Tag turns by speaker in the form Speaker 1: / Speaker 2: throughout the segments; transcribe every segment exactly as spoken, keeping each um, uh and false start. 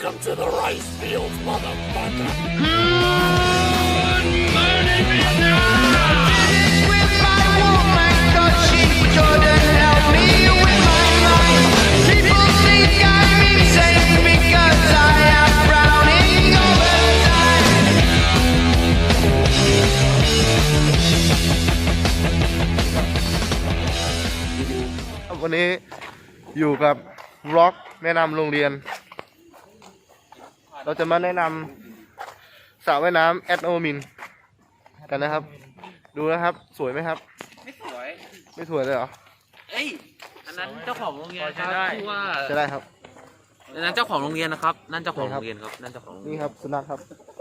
Speaker 1: Welcome to the rice fields, motherfucker.
Speaker 2: Good morning, Vietnam. Did it with my woman, 'cause she couldn't help me with my mind. People think I'm insane because I am drowning over time.
Speaker 3: วันนี้อยู่กับร็อกแนะนำโรงเรียน เราจะมาแนะนำสระว่ายน้ำแอดโอมินกันนะครับ ดูนะครับสวยไหมครับ
Speaker 4: ไม่สวย
Speaker 3: ไม่สวยเลยเหรอ
Speaker 4: เอ้ย อันนั้นเจ้าของโรงเรียนครับชื่อว่า
Speaker 3: จะได้ครับ
Speaker 4: อันนั้นเจ้าของโรงเรียนนะครับ นั่นเจ้าของโรงเรียนครับ นั่นเจ้าของโรงเรียน
Speaker 3: นี่ครับสุนัขครับ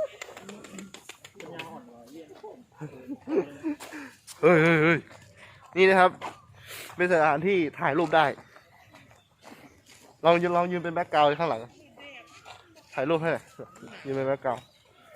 Speaker 3: เฮ้ยเฮ้ยเฮ้ยนี่นะครับ เป็นสถานที่ถ่ายรูปได้ลองยืนลองยืนเป็นแบ็คกราวด์ข้างหลังถ่ายรูปให้หน่อยยืนเป็นแบ็คกราวด์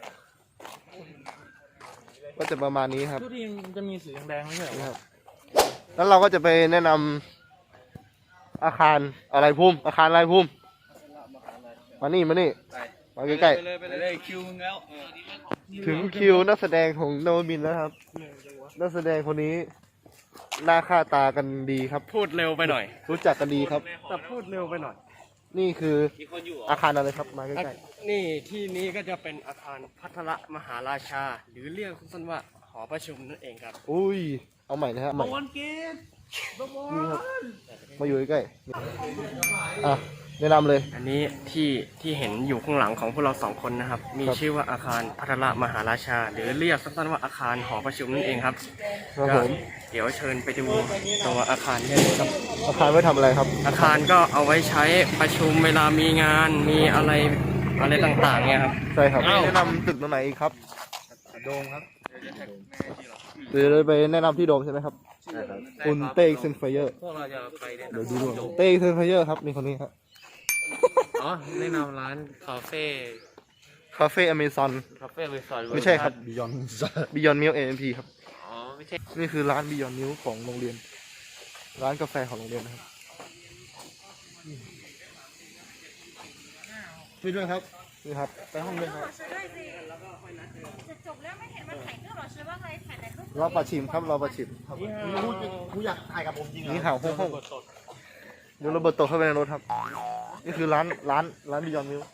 Speaker 3: ก็จะประมาณนี้ครับ
Speaker 5: ทุกทีมจะมีสีแดงๆไม่ใช่เหรอ
Speaker 3: นี่ครับแล้วเราก็จะไปแนะนำอาคารอะไรภูมิอาคารอะไรภูมิมานี่มานี่มาใกล้
Speaker 4: ไปเลยไปเลยคิวมึงแล้ว
Speaker 3: ๆถึงคิวนักแสดงของโนมินแล้วครับนักแสดงคนนี้หน้าค่าตากันดีครับ
Speaker 5: พูดเร็วไปหน่อย
Speaker 3: รู้จักกันดีครับ
Speaker 5: แต่พูดเร็วไปหน่อย
Speaker 3: นี่คืออาคารอะไรครับมาใกล้
Speaker 5: นี่ที่นี้ก็จะเป็นอาคารพัทรมหาราชา หรือเรียกสั้นๆว่าหอประชุมนั่นเองครับ
Speaker 3: ๆอุ้ยเอาใหม่นะฮะใหม่
Speaker 5: วันเกต
Speaker 3: นี่ครับมาอยู่ใกล้ๆอ่ะแนะนำเลย
Speaker 5: อันนี้ที่ที่เห็นอยู่ข้างหลังของพวกเราสองคนนะครับ มี
Speaker 3: ครับ
Speaker 5: ชื่อว่าอาคารพัทรมหาราชา หรือเรียกสั้นๆว่าอาคารหอประชุมนั่นเองครับ
Speaker 3: ครับ
Speaker 5: ก็
Speaker 3: ผม
Speaker 5: เดี๋ยวเชิญไปดูตัวอาคารได้เลยครับ
Speaker 3: อาคารไว้ทำอะไรครับ
Speaker 5: อาคารก็เอาไว้ใช้ประชุมเวลามีงานมีอะไรอะไรต่างๆเนี่ยครับ
Speaker 3: ใช่ครับ
Speaker 5: อ้าว
Speaker 3: แนะนำตึกตรงไหนอีกครับโดมครับหรือเลยไปแนะนำที่โดมใช่ไหมครับคุณเต้เซนไฟเยอร์
Speaker 4: พวกเราจะไปเนี่ย
Speaker 3: เดี๋ยวดูดูเต้เซนไฟเยอร์ครับนี่คนนี้ครับ
Speaker 4: อ๋อแนะนำร้านคาเฟ่
Speaker 3: คาเฟ่อเมซอน
Speaker 4: คาเฟ่เวสต์
Speaker 3: ไม่ใช่ครับบิยอนบิยอนมิลเอ็มพีครับ
Speaker 4: อ๋อ ไม่ใช่
Speaker 3: นี่คือร้านบิยอนมิลของโรงเรียน ร้านกาแฟของโรงเรียนนะครับไปด้วยครับนี่ครับไปห้องเลยครับ
Speaker 6: จะจบแล้วไม่เห็นมันถ่ายรูปหรอชื่อว่าไงถ่ายแต่รูป
Speaker 3: รอประชิมครับรอประชิม
Speaker 5: กูอยากถ่ายกับผมจริง
Speaker 3: นี่ห่าวห้องห้องเดี๋ยวเราเบิดตกเข้าไปในรถครับ นี่คือร้านร้านร้านบิยอนมิล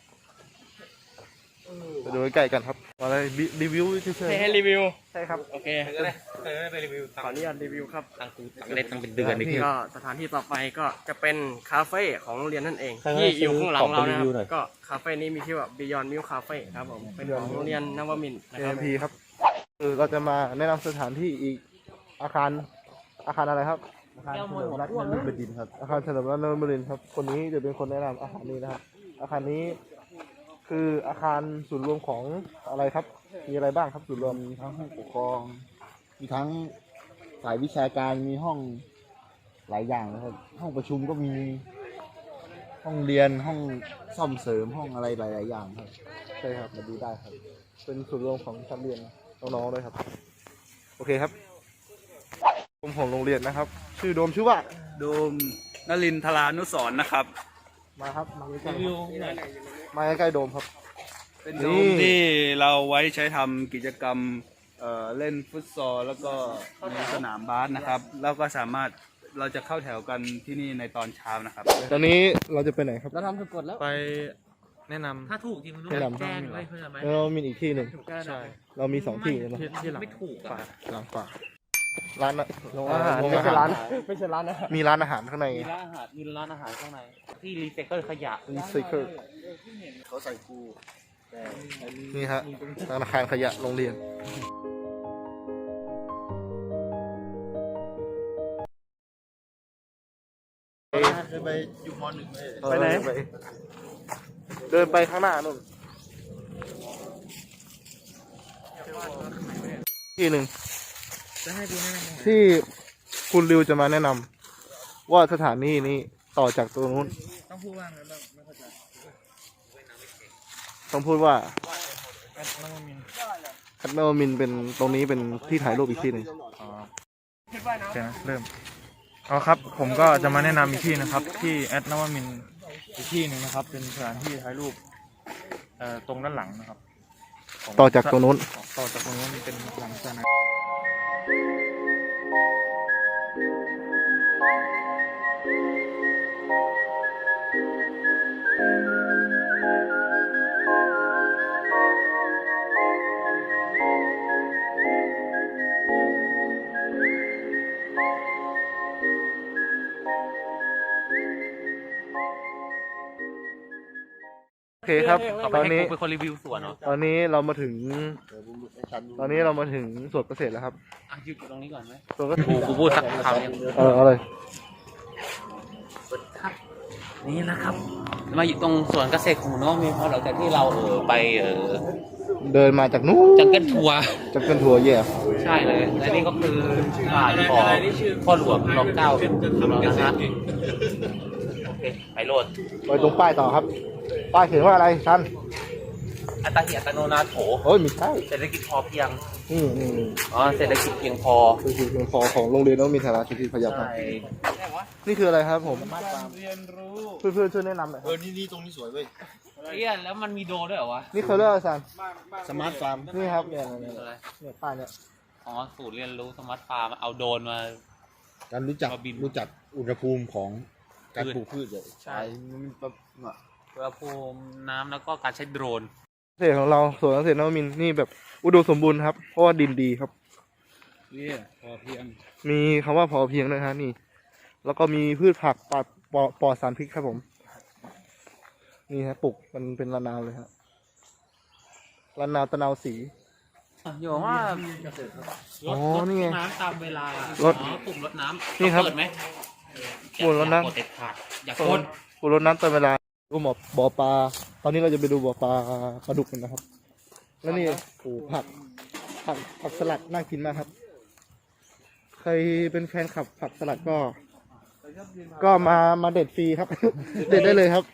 Speaker 3: ไปดูใกล้ๆกันครับอะไรรีวิวเฉย
Speaker 5: ให้รีวิว
Speaker 3: ๆใช่ครับ
Speaker 5: โอเค
Speaker 4: ก็ได้เออไปรีวิว
Speaker 5: ขออนุญาตรีวิวครับ
Speaker 4: ตังกูตังเล่นตังเป็นเดือนนี่คือ
Speaker 5: ก็สถานที่ต่อไปก็จะเป็นคาเฟ่ของโรงเรียนนั่นเอง
Speaker 3: ใครให้
Speaker 5: ที่อยู่ข้างหลังเรา
Speaker 3: ซื้อ
Speaker 5: นะ
Speaker 3: ของไปรีวิวหน่
Speaker 5: ครั
Speaker 3: อย
Speaker 5: บก็คาเฟ่นี้มีชื่อว่า Beyond Milk Cafe ครับผมเป็นของโรงเรียนนวมินทร์นะ
Speaker 3: เอ็
Speaker 5: ครับ
Speaker 3: มพีครับคือเราจะมาแนะนำสถานที่อีกอาคารอาคารอะไรครับ อาคารเฉลิมรัตน์นฤบดินทร์ครับ อาคารเฉลิมรัตน์นฤบดินทร์ครับ คนนี้จะเป็นคนแนะนำอาคารนี้นะครับ อาคารนี้คืออาคารศูนย์รวมของอะไรครับ มีอะไรบ้างครับศูนย์รวม
Speaker 7: มีทั้งห้องปกครอง มีทั้งฝ่ายวิชาการ มีห้องหลายอย่างนะครับ ห้องประชุมก็มี ห้องเรียน ห้องซ่อมเสริม ห้องอะไรหลาย ๆ อย่างครับ
Speaker 3: ใช่ครับมาดูได้ครับ เป็นศูนย์รวมของชั้นเรียนน้องๆด้วยครับ โอเคครับกรมของโรงเรียนนะครับ ชื่อโดมชื่อว่า
Speaker 8: โดมนลินทรานุสรณ์นะครับ
Speaker 3: มาครับมาใกล้ๆมาใกล้ๆโดมครับ
Speaker 8: เป็น
Speaker 3: นี่
Speaker 8: โดมที่เราไว้ใช้ทำกิจกรรมเอ่อเล่นฟุตซอลแล้วก็ในสนามบาสนะครับ แล้วก็สามารถเราจะเข้าแถวกันที่นี่ในตอนเช้านะครับ
Speaker 3: ตอนนี้เราจะไปไหนครับ
Speaker 5: เราทำถูกกฎแล้ว
Speaker 9: ไปแนะนำ
Speaker 4: ถ้าถูกจริงมึงต้อง
Speaker 3: แนะนำ
Speaker 4: แจ้งไว้เพื่อนไหม
Speaker 3: เรามีอีกที่หนึ่ง
Speaker 9: ใช่
Speaker 3: เรามีสองที่นะ
Speaker 9: ที่ที่หลัง
Speaker 4: ไม่ถูกอ่ะ
Speaker 3: หลังป่าร้านอะ
Speaker 5: โรงอาหาร
Speaker 3: โรง
Speaker 5: ไม่
Speaker 3: อา
Speaker 5: ใช่
Speaker 3: หาร
Speaker 5: ร้านไม่ใช่ร้านนะ
Speaker 3: มีร้านอาหารข้างใน
Speaker 4: มีร้านอาหารมีร้านอาหารข้างใน ที่รีไซเคิลขยะ
Speaker 3: รีไซเคิล
Speaker 7: เขาใส่กู
Speaker 3: นี่ฮะธนาคารขยะโรงเรียนเคยไปอยู่มหนึ่งไปไหนเดินไปข้างหน้านู่นที่หนึ่งที่คุณริวจะมาแนะนำว่าสถานที่นี้ต่อจากตรงนู้นต้องพูดว่าไงบ้างไม่เข้าใจต้องพูดว่าแอดนวมินแอดนวมินเป็นตรงนี้เป็นที่ถ่ายรูปอีกที่หนึ่ง
Speaker 9: อ๋อโอเคนะเริ่มเอาครับ ผมก็จะมาแนะนำอีกที่นะครับ ที่แอดนวมินทร์อีกที่หนึ่งนะครับ เป็นสถานที่ถ่ายรูปเอ่อตรงด้านหลังนะครับขง
Speaker 3: ต่อจากตรงนู้น
Speaker 9: ต่อจากตรงนู้นเป็นหลังสนาม
Speaker 3: โอเคครับ
Speaker 4: ต่อไป
Speaker 3: ตอน
Speaker 4: ให้
Speaker 3: นี้
Speaker 4: กูเป็นคนรีวิวสวนเนาะ
Speaker 3: ตอนนี้เรามาถึง ตอนนี้เรามาถึงสวนเกษตรแล้วครับ
Speaker 4: อ่ะหยุดตรงนี้ก่อนไหม
Speaker 3: สวนเกษตร
Speaker 4: กูกูพูดสักคำเนี่ย
Speaker 3: เออเอาเลย
Speaker 4: นี่นะครับ มาอยู่ตรงสวนเกษตรของน้องมีพอหลังจากที่เราเออไปเออ
Speaker 3: เดินมาจากนู้น
Speaker 4: จังเกิลทัวร์
Speaker 3: จากกันทัวร์แย่
Speaker 4: ใช่เลยและนี่ก็คือบ้านของพ่อหลวงรอเก้าของเรานะฮะโอเคไปโหลด
Speaker 3: ไปตรงป้ายต่อครับ ป้ายเขียนว่าอะไรท่าน
Speaker 4: อัตหิอัตโนนาโถ
Speaker 3: โอ้ยไม่ใช่
Speaker 4: เศรษฐกิจพอเพียง
Speaker 3: นี่นี่นี่
Speaker 4: อ๋อเศรษฐกิจเพียงพอ
Speaker 3: คือคือคือพอของโรงเรียนต้องมีฐานะชีวิตพยับครับ
Speaker 4: ใช่
Speaker 3: นี่คืออะไรครับผมเพื่อนเพื่อนๆช่วยแนะนำหน่อยค
Speaker 7: เอ
Speaker 3: รับ
Speaker 7: อ นี่นี่ตรงนี้สวยเว้ย
Speaker 4: เอี้ยแล้วมันมีโดด้วยเหรอวะ
Speaker 3: นี่เขาเรียกอะไรสัน
Speaker 7: สมาร์ทฟาร์ม
Speaker 3: นี่ครับเนี่ยเนี่ย
Speaker 4: อะไร
Speaker 3: เนี่ยป้ายเนี่ย
Speaker 4: อ๋อศูนย์เรียนรู้สมาร์ทฟาร์มเอาโดรนมา
Speaker 7: การรู้จัก
Speaker 4: มาบิน
Speaker 7: รู้จักอุณหภูมิของการ
Speaker 4: พืช
Speaker 7: ปลูกพืชเลย
Speaker 4: ใช่
Speaker 7: มันแบบน่ะ
Speaker 4: อุณหภูมิน้ำแล้วก็การใช้โดรน
Speaker 3: เกษตรของเราสวนเกษตรนวมินทร์นี่แบบอุดมสมบูรณ์ครับ เพราะว่าดินดีครับ
Speaker 8: นี่พอเพียง
Speaker 3: มีคำว่าพอเพียงด้วยฮะนี่ แล้วก็มีพืชผักปลอดปลอดปลอดสารพิษครับผม นี่ฮะปลูกมันเป็นระนาวเลยฮะระนาวตะนาวสี
Speaker 4: อยู่ว่า
Speaker 3: อ๋อนี่ไง
Speaker 4: น้ำตามเวลาร
Speaker 3: ถ
Speaker 4: อ๋อปุ่มรดน้ำ
Speaker 3: นี่ครับ
Speaker 4: เปิดไหม
Speaker 3: ปุ่มรดน้ำ
Speaker 4: อย่ากดเด็ดขาดอย่า
Speaker 3: โซ
Speaker 4: ก
Speaker 3: น
Speaker 4: ด
Speaker 3: ปูรดน้ำเต็มเวลาดูหมอบ่อปลา ตอนนี้เราจะไปดูบ่อปลาปลาดุกกันนะครับ แล้วนี่โอ้ผัก ผักผักสลัดน่ากินมากครับ ใครเป็นแฟนคลับผักสลัดก็ ก็มามาเด็ดฟรีครับ เด็ดได้เลยครับ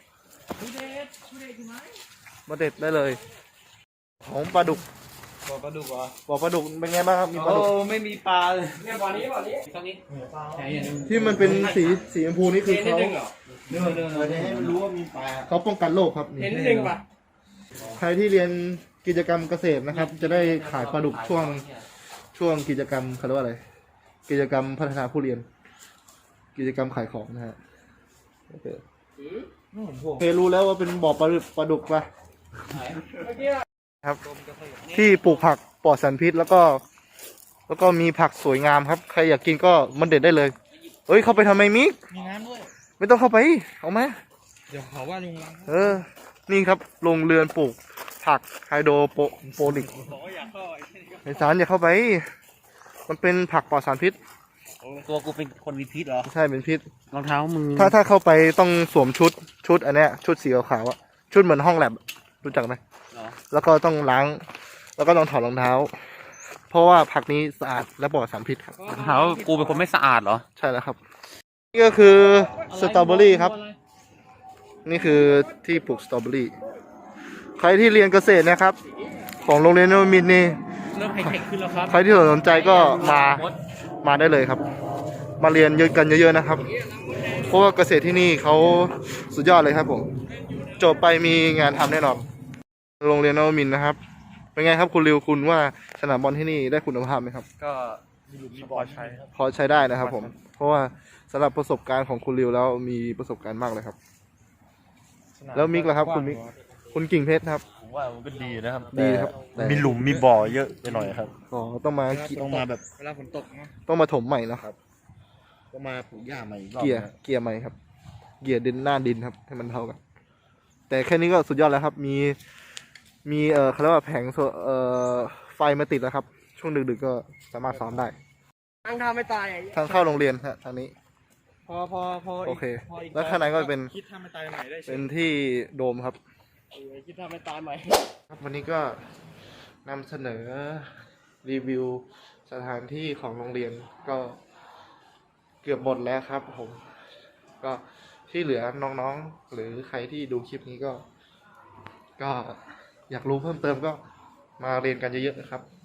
Speaker 3: มาเด็ดได้เลย ของปลาดุก
Speaker 8: บ่อปลาดุกเหรอ
Speaker 3: บ่อปลาดุกเป็นไงบ้างครับ มีปลา
Speaker 8: โอ้
Speaker 3: ดุก
Speaker 8: ไม่มีปลาเลย
Speaker 5: เนี่ยบ่อนี้บ่อนี้
Speaker 4: ตรงนี้
Speaker 3: ที่มันเป็นสีสีชมพูนี่คือเขา
Speaker 5: เห็นนิดนึงเหรอ
Speaker 7: เนื้อเนื้อให้มันรู้ว่ามีปลา
Speaker 3: เขาป้องกันโรคครับ
Speaker 5: เห็นนิดนึงป่ะ
Speaker 3: ใครที่เรียนกิจกรรมเกษตรนะครับ จะได้ขายปลาดุกช่วงช่วงกิจกรรมเขาเรียกว่าอะไร กิจกรรมพัฒนาผู้เรียน กิจกรรมขายของนะฮะโอเคเคยรู้แล้วว่าเป็นบ่อปลาดุกปลาดุกปะครับ ที่ปลูกผักปลอดสารพิษแล้วก็ แล้วก็มีผักสวยงามครับ ใครอยากกินก็มันเด็ดได้เลยเฮ้ยเข้าไปทำไมมิก
Speaker 9: มีน้ำด้วย
Speaker 3: ไม่ต้องเข้าไปเอามา
Speaker 9: เดี๋ยวเขาว่าลุงรัง
Speaker 3: เออ นี่ครับโรงเรือนปลูกผักไฮโดรโปโปนิกไอสารอย่าเข้าไป มันเป็นผักปลอดสารพิษ
Speaker 4: ตัวกูเป็นคนมีพิษเหรอ
Speaker 3: ใช่เป็นพิษ
Speaker 4: รองเท้ามึง
Speaker 3: ถ้าถ้าเข้าไปต้องสวมชุดชุดอันเนี้ยชุดสีขาวๆอะชุดเหมือนห้องแลบรู้จักไหม
Speaker 4: เหรอ
Speaker 3: แล้วก็ต้องล้าง แล้วก็ต้องถอดรองเท้า เพราะว่าผักนี้สะอาดและปลอดสารพิษครับ
Speaker 4: รองเท้ากูเป็นคนไม่สะอาดเหรอ
Speaker 3: ใช่แล้วครับ นี่ก็คือสตรอเบอรี่ครับ นี่คือที่ปลูกสตรอเบอรี่ ใครที่เรียนเกษตรนะครับ ของโรงเรียนนวมินทร์นี่
Speaker 4: เริ่มไฮเทคขึ้นแล้วครับ
Speaker 3: ใครที่สนใจก็มามาได้เลยครับ มาเรียนเยอะกันเยอะๆนะครับ เพราะว่าเกษตรที่นี่เขาสุดยอดเลยครับผมจบไปมีงานทำแน่นอนโรงเรียนนวมินทร์นะครับ เป็นไงครับคุณริวคุณว่าสนามบอลที่นี่ได้คุณภาพไหมครับ
Speaker 9: ก็มีบอลใช้ครับ
Speaker 3: พอใช้ได้นะครับผม เพราะว่าสำหรับประสบการณ์ของคุณริวแล้วมีประสบการณ์มากเลยครับ แล้วมิกล่ะครับคุณมิก คุณกิ่งเพชรครับ
Speaker 9: ผมว่ามันก็ดีนะครับ
Speaker 3: ดีครับแต่
Speaker 9: มีหลุมมีบ่อเยอะไปหน่อยครับ
Speaker 3: อ๋อต้องมา
Speaker 7: ต้องมาแบบ
Speaker 9: เวลาฝนตกนะ
Speaker 3: ต้องมาถมใหม่เนอะ
Speaker 7: ต้องมาปลูกหญ้าใหม่อีกรอบ
Speaker 3: เกียร์
Speaker 7: นะ
Speaker 3: เกียร์ใหม่ครับ เกียร์ดินหน้าดินครับ ให้มันเท่ากัน แต่แค่นี้ก็สุดยอดแล้วครับ มี มีเอ่อเขาเรียกว่าแผงโซเอ่อไฟมาติดแล้วครับ ช่วงดึกๆก็สามารถซ้อมได้
Speaker 5: ตั้งท่าไม่ตายอ่ะ
Speaker 3: ทางเข้าโรงเรียนฮะทางนี้
Speaker 9: พอพอพอ
Speaker 3: โอเค
Speaker 9: พอีก
Speaker 3: แล้วข้างในก็เป็น
Speaker 9: คิดทำไม่ตายใหม่ได้
Speaker 3: เป็นที่โดมครับ
Speaker 5: เออคิดท่าไม่ตายใหม่
Speaker 3: ครับวันนี้ก็นำเสนอรีวิวสถานที่ของโรงเรียนก็เกือบหมดแล้วครับผม ก็ที่เหลือน้องๆ หรือใครที่ดูคลิปนี้ก็ ก็อยากรู้เพิ่มเติมก็มาเรียนกันเยอะๆนะครับ